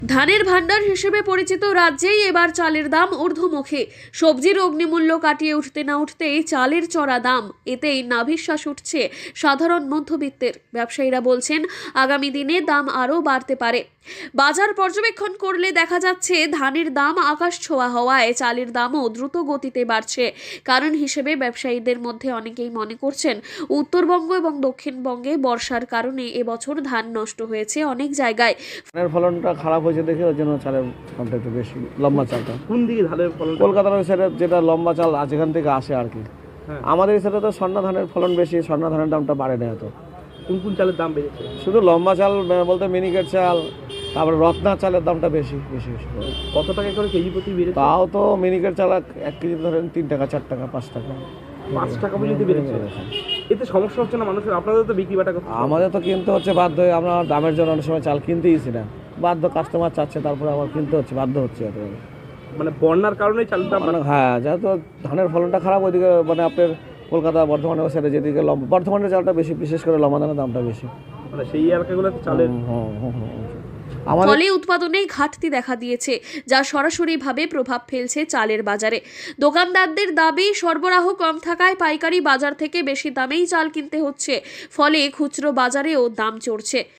ধানের ভান্ডার হিসেবে পরিচিত রাজ্যেই এবার চালের দাম ঊর্ধ্বমুখী। সবজির অগ্নিমূল্য কাটিয়ে উঠতে না উঠতেই চালের চড়া দাম, এতেই নাভিশ্বাস উঠছে সাধারণ মধ্যবিত্তের। ব্যবসায়ীরা বলছেন আগামী দিনে দাম আরও বাড়তে পারে। বাজার পর্যবেক্ষণ করলে দেখা যাচ্ছে ধানের দাম আকাশ ছোঁয়া হওয়ায় চালের দামও দ্রুত গতিতে বাড়ছে। কারণ হিসেবে ব্যবসায়ীদের মধ্যে অনেকেই মনে করছেন উত্তরবঙ্গ এবং দক্ষিণবঙ্গে বর্ষার কারণে এবছর ধান নষ্ট হয়েছে অনেক জায়গায়। ধানের ফলনটা খারাপ হয়েছে দেখে ওই জন্য চালের দামটা একটু বেশি, লম্বা চালটা। কোন দিকে ধানের ফলন? কলকাতার ওই সাইডে যেটা লম্বা চাল যেখান থেকে আসে আর কি। আমাদের এই সাইডে তো স্বর্ণা ধানের ফলন বেশি, স্বর্ণা ধানের দামটা বাড়ে না এত। কোন কোন চালের দাম বেড়েছে? শুধু লম্বা চাল বলতে মিনিকেট চাল, তারপরে রত্না চালের দামটা বেশি বেশি বেশি। কত টাকা করে কেজি প্রতি বেড়েছে? তাও তো মিনিকেট চাল এক কেজি ধরেন 3 টাকা 4 টাকা 5 টাকা 5 টাকা পর্যন্ত বেড়েছে। এতে সমস্যা হচ্ছে না মানুষের? আপনাদের তো বিক্রি বাটা করতে হবে। আমাদের তো কিনতে হচ্ছে বাধ্য হয়ে, আমরা দামের জন্য অনেক সময় চাল কিনতেইছি না, বাধ্য, কাস্টমার চাচ্ছে তারপরে আবার কিনতে হচ্ছে, বাধ্য হচ্ছে এত। মানে বন্যার কারণে চালের দাম হ্যাঁ, যেহেতু ধানের ফলনটা খারাপ ওইদিকে, মানে আপনার কলকাতা বর্ধমানের ওই সাইডে যেদিকে বর্ধমানের চালটা বেশি, বিশেষ করে লম্বা ধানের দামটা বেশি। মানে সেই এলাকাগুলোতে চালের ফলে উৎপাদনে ঘাটতি দেখা দিয়েছে, যা সরাসরিভাবে প্রভাব ফেলছে চালের বাজারে। দোকানদারদের দাবি সরবরাহ কম থাকায় পাইকারি বাজার থেকে বেশি দামেই চাল কিনতে হচ্ছে, ফলে খুচরো বাজারেও দাম চড়ছে।